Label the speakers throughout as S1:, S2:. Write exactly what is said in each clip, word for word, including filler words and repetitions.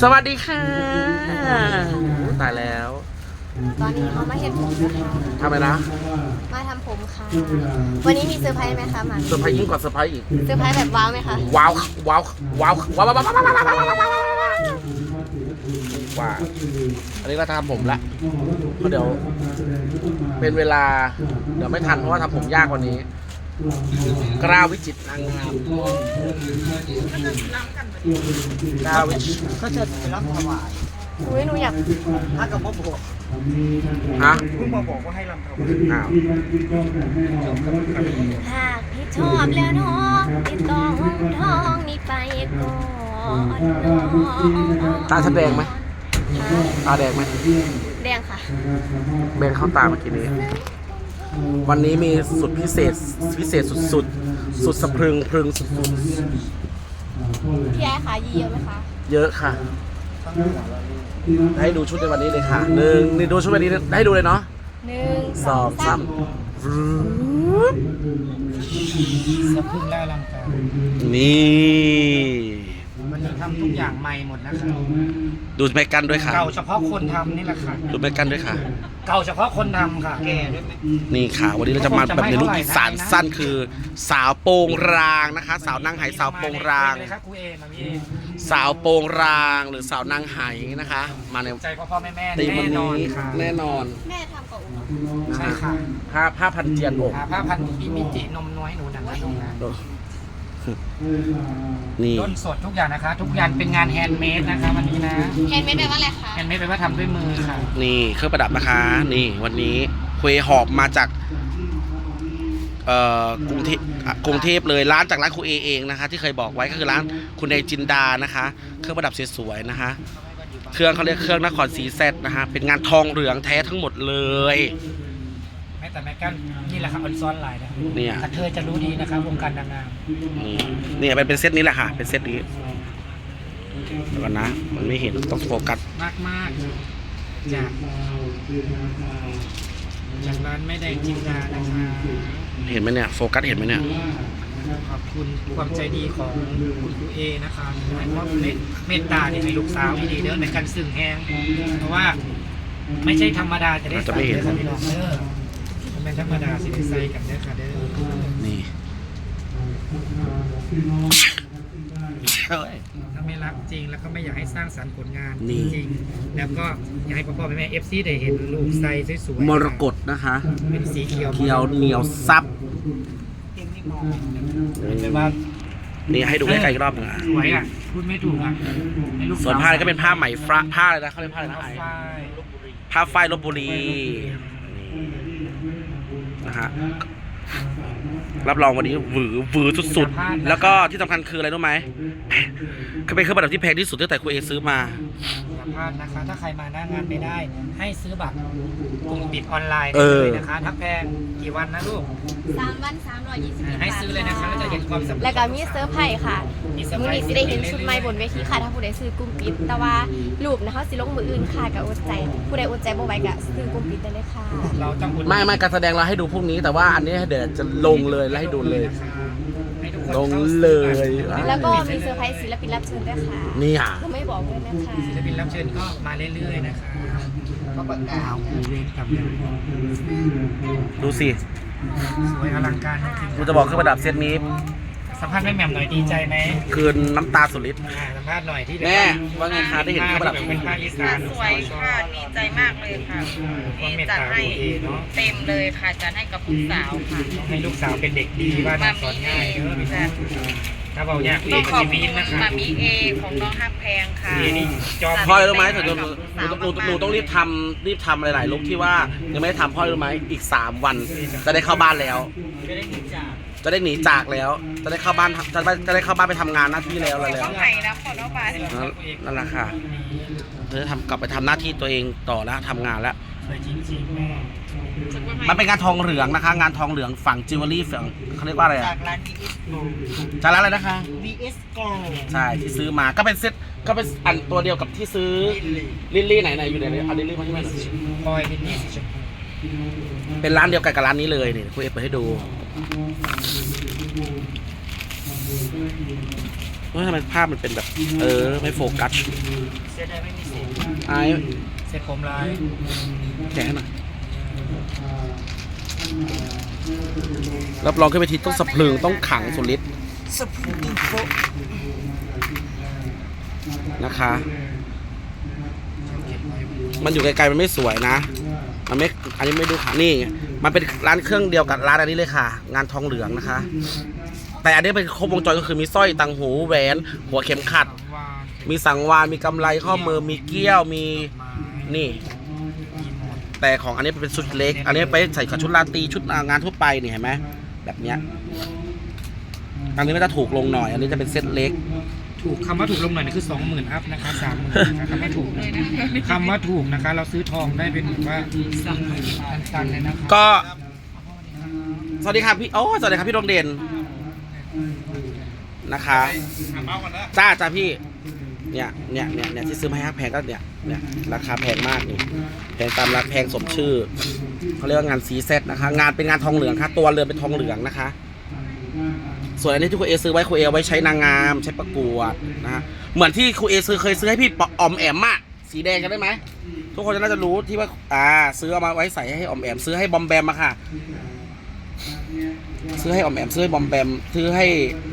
S1: สวัสดีค่ะตายแล้ว
S2: ตอนนี้เขามาเห็นผมนะคะ
S1: ทำไมนะ
S2: มาทำผมค่ะวันนี้มีเซอร์ไพรส์ไหมคะหมา
S1: เซอร์ไพรส์ยิ่งกว่าเซอร์ไพรส์อีก
S2: เซอร์ไพรส์แบบว้าวไหมคะ
S1: ว้าวว้าวว้าวว้าวว้าวว้าวว้าวว้าวอันนี้เราทำผมละเพราะเดี๋ยวเป็นเวลาเดี๋ยวไม่ทันเพราะว่าทำผมยากกว่านี้กล้าวิจิตนางงามกล้าวิจิต
S3: ก็จะไปรับถวาย
S2: อุ้ยหนูอยาก
S3: ถ้ากับพ่อบอก
S1: ฮะ
S3: เพิ่งมาบอกว่าให้รำถวาย
S1: อ้าว
S2: หากพี่ชอบแล้วน้องพี่ต้องท้องนี่ไปก่อน
S1: ตาฉันแดงไหมตาแดงไหม
S2: แดงค่ะ
S1: แดงเข้าตาเมื่อกี้นี้วันนี้มีสุดพิเศษพิเศษสุดสุดสุดสะพรึงพรึงสุดสุด
S2: พี่แอ๊ค่ะยีเยอะไหมคะ
S1: เยอะค่ะให้ดูชุดในวันนี้เลยค่ะหนึ่งนี่ดูชุดวันนี้ให้ดูเลยเนาะ
S2: หนึ่ง
S1: สองสาม
S3: สะพึงแล้วลังการ
S1: นี่
S3: วันนี้ทำทุกอย่างใหม่หมดนะคะ
S1: ดูแม่กันด้วยค่ะ
S3: เก่าเฉพาะคนทำนี่แหละค่ะ
S1: ดูแม่กันด้วยค่ะ
S3: เก่าเฉพาะคนทำค่ะแก่ด้วยไหม
S1: นี่ค่ะวันนี้เราจะมาแบบในลุคอีสานสั้นคือสาวโปงรางนะคะสาวนางไหสาวโปงรางสาวโปงรางหรือสาวนางไหนะคะมาใน
S3: ใจพ่อพ่อแม่แม่
S1: แน่นอนแน่นอน
S2: แม่ทำกับอุ้
S3: ใช่ค่ะ
S1: ผ้าผ้าพันเจียนอก
S3: ผ้าพันที่มีจินมน้อยหนูนั่นนะน้องนะ
S1: นี่
S3: ต้นสดทุกอย่างนะคะทุกอย่างเป็นงานแฮนด์เมดนะคะวันนี้นะ
S2: แฮนด์เมดแปลว่าอะไรคะ
S3: แฮนด์เมดแปลว่าทำด้วยมือค่ะ
S1: นี่เครื่องประดับนะคะนี่วันนี้คุยหอบมาจากเอ่อกรุงเทพกรุงเทพเลยร้านจากร้านครูเอเองนะคะที่เคยบอกไว้ก็คือร้านคุณเอจินดานะคะเครื่องประดับสวยๆนะคะเครื่องเขาเรียกเครื่องนครศรีแซดนะคะเป็นงานทองเหลืองแท้ทั้งหมดเลย
S3: แม้แต่แม่กันนี่แหละครับออนซ้อนไลน์นะ
S1: เนี่ย
S3: เธอจะรู้ดีนะครับวงการนางงาม
S1: นี่เนี่ยเป็นเป็นเซตนี้แหละค่ะเป็นเซตนี้เดี๋ยวก่อนนะมันไม่เห็นต้องโฟกัส
S3: มากมากจากจากร้านไม่ได้จินดานะคะ
S1: เห็นไหมเนี่ยโฟกัสเห็นไหมเนี่ย
S3: ขอบคุณความใจดีของคุณครูเอนะคะให้ความเมตตาที่ให้ลูกสาวดีเด้อในการสื่อแห้งเพราะว่าไม่ใช่ธรรมดาจะได้ใส่ได้ค่ะพี่น้องเด้อเป็นธรรมดาสิได้ใส่กันเด้อค่ะเด้อ
S1: นี่
S3: ถ้าไม่รักจริงแล้วก็ไม่อยากให้สร้างสรรค์ผลงานจริงแล้วก็อยากให้พ่อพ่อแม่แม่เอฟซีได้เห็นลูกใส่สวย
S1: ๆมรกตนะคะ
S3: เป็นสีเขียว
S1: เขียวเหนียวซับ
S3: เป็นว่า
S1: นี่ให้ดูใกล้ๆอีกรอบนึงอ่ะ
S3: สวยอ่ะพูดไม่ถูกอ่ะ
S1: ส่วนผ้าก็เป็นผ้าไหมฟ้าผ้าอะไรนะเขาเรียกผ้าอะไรนะไอผ้าฝ้ายลพบุรีนะฮะรับรองวันนี้หวือหวือสุดๆแล้วก็ที่สำคัญคืออะไรรู้ไหมคือเป็นเครื่องประดับที่แพงที่สุดตั้งแต่ครูเอซื้อมา
S3: สัมภาษณ์นะคะถ้าใครมาหน้างานไม่ได้ให้ซื้อบัตรกลุ่มปิดออนไลน์ได้เลยนะคะทักแพงกี่วันนะลูก
S2: สามวันสามร้อยยี่สิบ
S3: ให้ซื้อเลยนะคะแล้วจะเห็นความสำเร็จ
S2: แล้วก็มีเซอร์ไพรส์ค่ะมือนี้สิได้เห็นชุดใหม่บนเวทีค่ะถ้าผู้ใดซื้อกลุ่มปิดแต่ว่ารูปนะคะสิลงมืออื่นค่ะกับอดใจผู้ใดอดใจบ่ไหวก็ซื้อกลุ่มปิดได้เลยค่ะ
S3: เราต้อง
S1: ไม่ไม่การแสดงเราให้ดูพรุ่งนี้แต่ว่าอันนี้เดี๋ยวจะลงเลยแล้วให้ดูเลยลงเลย
S2: แล้วก็มีเซอร์ไพรส์ศิลปินรับเชิญด้วยค่ะ
S1: นี่อ่ะ
S2: ก็ไม่บอกเลยนะคะ
S3: ศิลปินรับเชิญก็มาเรื่อยๆนะคะก็ประกาศเวรกับ
S1: ดูสิ
S3: สวยอลังการจริงๆ
S1: กูจะบอกเครื่องประดับเซตนี้
S3: สัมภาษณ์แม่แหม่มหน่อยดีใจไหม
S1: คืนน้ำตาสุดฤทธิ์
S3: สัมภาษณ์หน่อยที่
S1: แม่ว่าไงคะได้เห็นเครื่องประดับ
S3: เป็นภาคอีสาน
S4: สวยค่ะดีใจมากเลยค่ะที่จัดให้เต็มเลยค่ะจัดให้กับลูกสาวค่ะ
S3: ให้ลูกสาวเป็นเด็กดีบ้านสอนง่ายเด้อพี่แซ่ถ้าบอกอยากเองก็จะมีนะคะ
S4: มามีเอของน้องฮักแพงค่ะ
S3: นี่จอม
S1: พ่อรู้ไหมถึงหนูหนูหนูต้องรีบทำรีบทำหลายๆลุกที่ว่ายังไม่ได้ทำพ่อรู้ไหมอีกสามวันจะได้เข้าบ้านแล้ว
S3: จะได้หนีจาก
S1: จะได้หนีจากแล้วจะได้เข้าบ้านจะได้จะได้เข้าบ้านไปทำงานหน้าที่แล้วแล้ว
S4: ต้องไปนะขอน้องบ้าน
S1: นั่นแหละค่ะเธอทำกลับไปทำหน้าที่ตัวเองต่อแล้วทำงานแล้วมันเป็นงานทองเหลืองนะคะงานทองเหลืองฝั่งจิวเวลรี่ฝั่งเขาเรียกว่าอะไร
S3: จากร้าน บี เอส Gold
S1: จากร้านอะไรนะคะ
S3: บี เอส Gold
S1: ใช่ที่ซื้อมาก็เป็นเซ็ตก็เป็นอันตัวเดียวกับที่ซื้อลิลลี่ไหนไหนอยู่ไหนเอาลิลลี่มาที่ไหน
S3: พลอยลิลลี่สีชม
S1: พูเป็นร้านเดียวกันกับร้านนี้เลยนี่คุณเอเปิดให้ดูเฮ้ยทำไมภาพมันเป็นแบบ เออ ไม่โฟกัส
S3: เสียดายไม่มีเศษ
S1: ไอ้
S3: เศษผมลาย
S1: แกะให้หน่อยรับรองขึ้นไปทีต้องสะพรึงต้องขังสุดฤทธิ์
S3: สะพุงโฟ
S1: นะคะ มันอยู่ไกลๆมันไม่สวยนะ มันไม่ อันนี้ไม่ดูค่ะนี่มันเป็นร้านเครื่องเดียวกับร้านอันนี้เลยค่ะ งานทองเหลืองนะคะ แต่อันนี้เป็นครบวงจรก็คือมีสร้อยตังหูแหวนหัวเข็มขัด
S3: วาน
S1: มีสังวานมีกำไรข้อมือมีเกี้ยวมีนี่ แต่ของอันนี้เป็นชุดเล็ก อันนี้ไปใส่กับชุดราตรีชุดงานทั่วไปนี่เห็นไหมแบบเนี้ยอันนี้ก็จะถูกลงหน่อย อันนี้จะเป็นเซตเล็ก
S3: ถูกคำว่าถูกลงหน่อยนี่คือสองหมื่นอัพนะคะสามหมื่นคำว่าถูกนะคำว่าถูกนะคะ เราซื้อทองได้เป็นแบบว่าตันๆเลยนะคะ
S1: ก็ สวัสดีครับพี่โอ้สวัสดีครับพี่ดวงเด่นนะคะจ้าจ้าพี่เนี่ยเนี่ยเนี่ยเนี่ยที่ซื้อมาให้แพงก็เนี่ยเนี่ยราคาแพงมากนี่แพงตามราคาแพงสมชื่อเขาเรียกว่างานซีเซตนะคะ งานเป็นงานทองเหลืองค่ะตัวเรือนเป็นทองเหลืองนะคะ ส่วนอันนี้ที่ครูเอซื้อไว้ครูเอไว้ใช้นางงามใช้ประกวดนะฮะเหมือนที่ครูเอซื้อเคยซื้อให้พี่ออมแอมอะสีแดงกันได้ไหมทุกคนน่าจะรู้ที่ว่าอ่าซื้อเอามาไว้ใส่ให้ออมแอมซื้อให้บอมแบมมาค่ะซื้อให้ออมแอมซื้อให้บอมแบมซื้อให้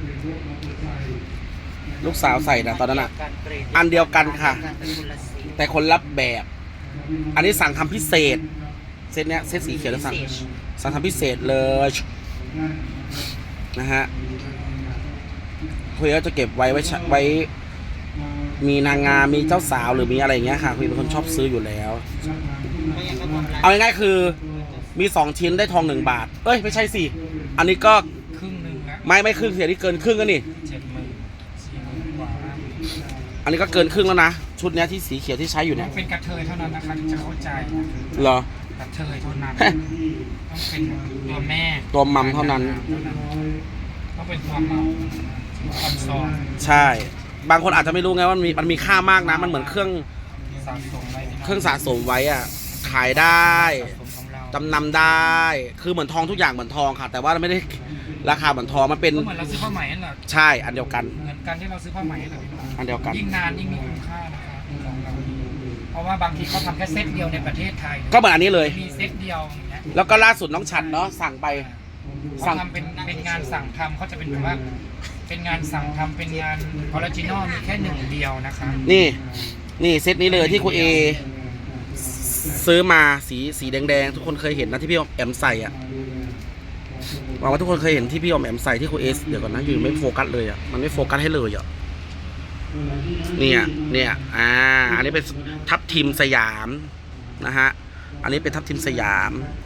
S1: ลูกสาวใส่นะตอนนั้นอะอันเดียวกันค่ะ แต่คนรับแบบ อันนี้สั่งทำพิเศษเซตเนี้ยเซตสีเขียวแล้วสั่งสั่งทำพิเศษเลยนะฮะคุยก็จะเก็บไว้ไว้ไว้ มีนางงามมีเจ้าสาวหรือมีอะไรอย่างเงี้ยค่ะคุยเป็นคนชอบซื้ออยู่แล้ว เอาง่ายๆคือมีสองชิ้นได้ทองหนึ่งบาทเอ้ยไม่ใช่สิอันนี้ก็
S3: ครึ่งหนึ่งแล้ว
S1: ไม่ไม่ครึ่งเสียที่เกินครึ่งแล้วนี่
S3: เจ็ดหมื่นสี่หมื่นกว่า
S1: อันนี้ก็เกินครึ่งแล้วนะชุดเนี้ยที่สีเขียวที่ใช้อยู่
S3: ต้
S1: เนี่
S3: อย งเป็นกระเทยเท่านั้นนะคะถึงจะเข้าใจนะคะ
S1: เหรอก
S3: ระเทยเท่านั้นต้องเป็นตัวแม่
S1: ตัวมัมเท่านั้น
S3: ต้องเป็นตัวมัมคอนซอล
S1: ใช่ บางคนอาจจะไม่รู้ไงว่ามันมีมันมีค่ามากนะมันเหมือนเครื่อง
S3: สะสมไว้
S1: เครื่องสะสมไว้อะขายได้
S3: สะสมของเรา
S1: จำนำได้ คือเหมือนทองทุกอย่างเหมือนทองค่ะ แต่ว่าไม่ได้ราคาเหมือนทองมันเป็น
S3: ก็เหมือนเราซื้อผ้าไหมนั่นแหละ
S1: ใช่อันเดียวกัน
S3: เหมือนกันที่เราซื้อผ้าไหมนั่นแหละ
S1: อันเดียวกัน
S3: ยิ่งนานยิ่งมีคุณค่านะคะของเราเพราะว่าบางทีเขาทำแค่เซตเดียวในประเทศไทย
S1: ก็เหมือนอันนี้เลย
S3: มีเซตเดียวอย่างเงี้ย
S1: แล้วก็ล่าสุดน้องฉัดเนาะสั่งไป สั่
S3: เขา
S1: ง
S3: ทำเป็นเป็นงานสั่งทำเขาจะเป็นแบบว่า เป็นงานสั่งทำเป็นงานออริจินอลมีแค่หนึ่งเดียวนะคะ
S1: นี่ นี่เซตนี้เลยที่ครูเอซื้อมาสีสีแดงๆทุกคนเคยเห็นนะที่พี่ออมแอมใส่อ่ะหวังว่าทุกคนเคยเห็นที่พี่ออมแอมใส่ที่ครูเอเดี๋ยวก่อนนะอยู่ไม่โฟกัสเลยอ่ะมันไม่โฟกัสให้เลยอ่ะเนี่ยเนี่ยอ่าอันนี้เป็นทับทิมสยามนะฮะอันนี้เป็นทับทิมสยาม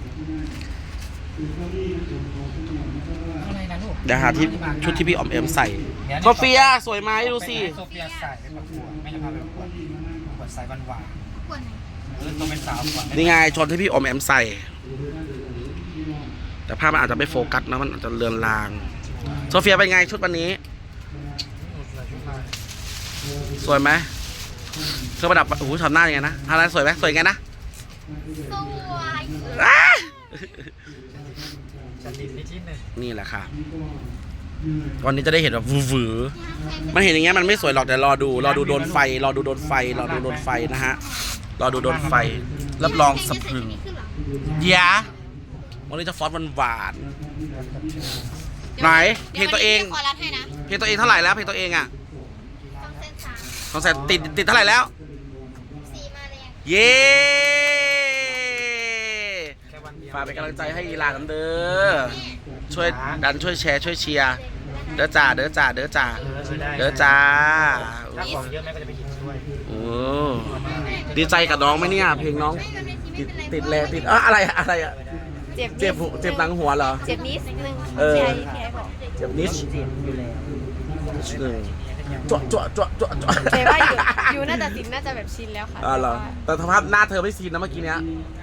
S3: อะไรนะลูก
S1: เดี๋ยวหาที่ชุดที่พี่ออมแอมใส่โซเฟียสวยไหมดูสิ
S3: โซเฟียใส่ไปประกวดไม่ใช่พาไปประกวดประกวดสายหวานๆเออตัวเป็นสาวก่อน
S1: นี่ไงชนที่พี่ออมแอมใส่ แต่ภาพมันอาจจะไม่โฟกัสนะมันอาจจะเลือนลางโซเฟียเป็นไงชุดวันนี้ สวยไหมเครื่องประดับโอ้โหทำหน้ายังไงนะทำหน้าสวยไหมสวยไงนะ
S2: สวย
S1: อ้า
S3: จะติดในที่หนึ่ง
S1: นี่แหละค่ะ วันนี้จะได้เห็นแบบวือๆมันเห็นอย่างเงี้ยมันไม่สวยหรอกแต่รอดู รอดูโดนไฟ รอดูโดนไฟ รอดูโดนไฟนะฮะ รอดูโดนไฟ รับรองสะพรึงยะวันนี้จะฟอนต์หวานๆไหนเพลงตัวเอง
S2: ขอรัดให้นะ
S1: เพลงตัวเองเท่าไหร่แล้วเพลงตัวเองอ่ะ
S2: สองเส้นสาม
S1: สองแสนติดติดเท่าไหร่แล้ว
S2: สี่มาแรง
S1: เย้
S3: แค่วันเดียว
S1: ฝากเป็นกำลังใจให้อีหลานกันเด้อ ช่วยดันช่วยแชร์ช่วยเชียร์เด้อจ่าเด้อจ่าเด้อจ่า
S3: เออช่วยได้
S1: เด้อจ้า
S3: ถ้าของเยอะแม่ก็จะไปหยิบช่วย
S1: โอ้ดีใจกับน้องไหมเนี่ย เพลงน้องติดติดแรงติดเอออะไรอะอะไรอะ
S2: เจ็บ
S1: เจ็บหูเจ็บหลังหัวเหรอ
S2: เจ็บนิดนึง
S1: เออ
S2: พี่ไอ้พี่ไอ้บอก
S1: เจ็บนิด
S3: เจ็บอยู่แล้ว
S1: นิดหนึ่งจั่วจั่วจั่วจั่วจั่ว
S2: แต่ว่าอยู่อยู่น่าจะสินน่าจะแบบชินแล้วค่ะ
S1: อ๋อเหรอแต่สภาพหน้าเธอไม่ซีนนะเมื่อกี้เนี้ย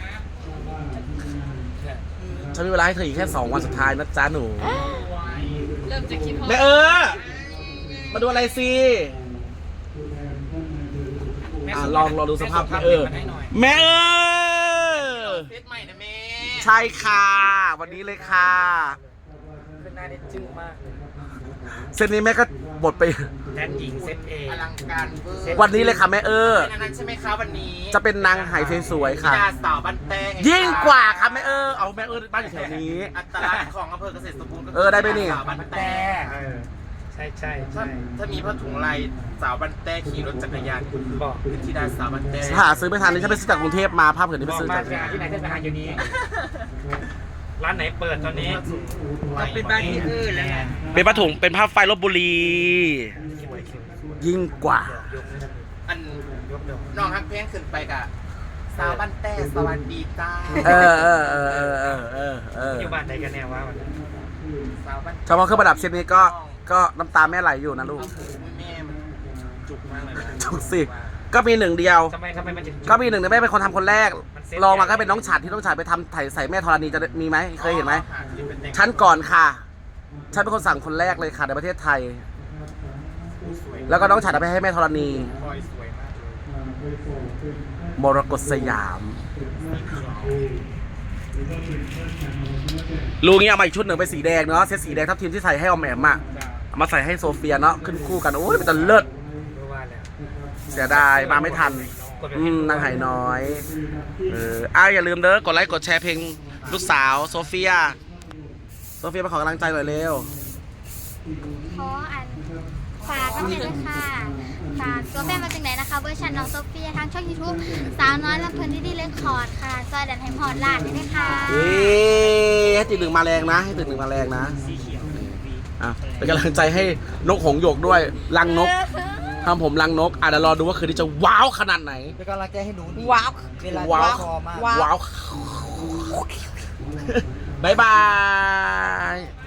S1: ฉันมีเวลาให้เธออีกแค่สองวันสุดท้ายนะจ๊ะหนู
S2: เริ่มจะคิดเพราะ
S1: แม่เออ มาดูอะไรสิอ่ะลองลองดูสภาพแม่เออแม่เออ
S3: เซตใหม่นะแม่
S1: ใช่ค่ะ วันนี้เลยค่ะ
S3: ขึ้นหน้าได้จื้อมาก
S1: เซตนี้แม่ก็บทไป
S3: แดนหญิงเซตเอ
S4: อลังการเวอร์
S1: วันนี้เลยค่ะแม่เออ
S4: เป็นอันนั้นใช่ไหมคะวันนี้
S1: จะเป็นนางไหสวยๆค่ะ
S4: ธิดาสาวบ้านแต้ง
S1: ยิ่งกว่าค่ะแม่เออเอาแม่เออบ้านอยู่แถวนี้
S4: อัตลักษณ์ของอำเภอเกษตรสมบูรณ์ก็คื
S1: เออได้ไหมนี่
S4: สาวบ้านแต้
S3: เออใช่ใช่
S4: ถ้า
S3: ใช่
S4: ถ้ามีผ้าถุงลายสาวบ้านแต้ขี่รถจักรยานคุณคือ
S3: บอก
S4: คือธิดาสาวบ้านแต้
S1: หาซื้อไม่ทันนี่ฉันไปซื้อจากกรุงเทพมาภาพเผือนที่
S3: บ
S1: ไป
S3: อก
S1: ซื้อ
S3: มา
S1: จาก
S3: ไปหาที่ไหนก็ไปหาอยู่นี้ ร้านไหนเปิดตอนนี้
S4: ต้องเป็นบ้านที่อื่นแล้วไง
S1: เป็นผ้าถุงเป็นผ้าไฟลบบุรี
S3: สวยสวยสวย
S1: ยิ่งกว่า
S3: ยก
S4: อัน
S3: ยกเดี๋ยว
S4: น้องฮักเพลงขึ้นไปกะสาวบ้านแต้สวัสดีจ้า
S1: เออเออเออเออเออเออเออ
S3: อยู่บ้านไหนกันแน่วะวันนี้
S4: สาวบ้าน
S1: เฉพาะเครื่องประดับชิ้นนี้ก็ก็น้ำตาแม่ไหลอยู่นะลูก
S4: เอาหูแม่มันจุกมากเลยนะ
S1: ถูกสิ ก็มีหนึ่งเดียว
S3: ทำไมทำไมมันถึง
S1: ก็มีหนึ่งแต่แม่เป็นคนทำคนแรก
S3: มันเซ็ต
S1: ลองมาก็เป็นน้องฉัดที่น้องฉัดไปทำไถ่ใส่แม่ธรณีจะมีไหมเคยเห็นไหม
S4: หาคลิปเป็นเด็ก
S1: ฉันก่อนค่ะ ฉันเป็นคนสั่งคนแรกเลยค่ะในประเทศไทย
S4: สวย
S1: แล้วก็น้องฉัดเอาไปให้แม่ธรณี
S4: พลอยสวยมากเลย
S1: มรกตสยาม ลูกนี้เอามาอีกชุดหนึ่งเป็นสีแดงเนาะเซตสีแดงทับทีมที่ใส่ให้ออมแอมอะเอามาใส่ให้โซเฟียเนาะขึ้นคู่กันโอ้ยเป็นตะเลิศ
S3: รู้ว่าแล้ว
S1: เสียดายมาไม่ทัน อืมนางไหน้อย เอออ้าวอย่าลืมเด้อกดไลค์กดแชร์เพลงลูกสาวโซเฟีย โซเฟียมาขอกำลังใจหน่อยเร็ว
S5: ขออันฝากกันเลยค่ะฝากตัวแม่มาจากไหนนะคะเวอร์ชันน้องโซเฟียทางช่อง YouTube สาวน้อยลำเพลินที่ดีเลคคอร์ดค่ะซอยดันไฮพอร์ตลาดด้วยค่ะ
S1: เอ๊ะให้ติดหนึ่งมาแรงนะ ให้ติดหนึ่งมาแรงนะ
S3: สีเขียว
S1: อ่ะเป็นกำลังใจให้นกหงส์หยกด้วยรังนกทำผมรังนกอ่ะเดี๋ยวรอดูว่าคืนนี้จะว้าวขนาดไหน
S6: เป็นกำลังใจให้หนูดี
S2: ว้าว
S6: เวลา
S1: ว้าว
S6: คอมาก
S1: ว้าว บ๊ายบาย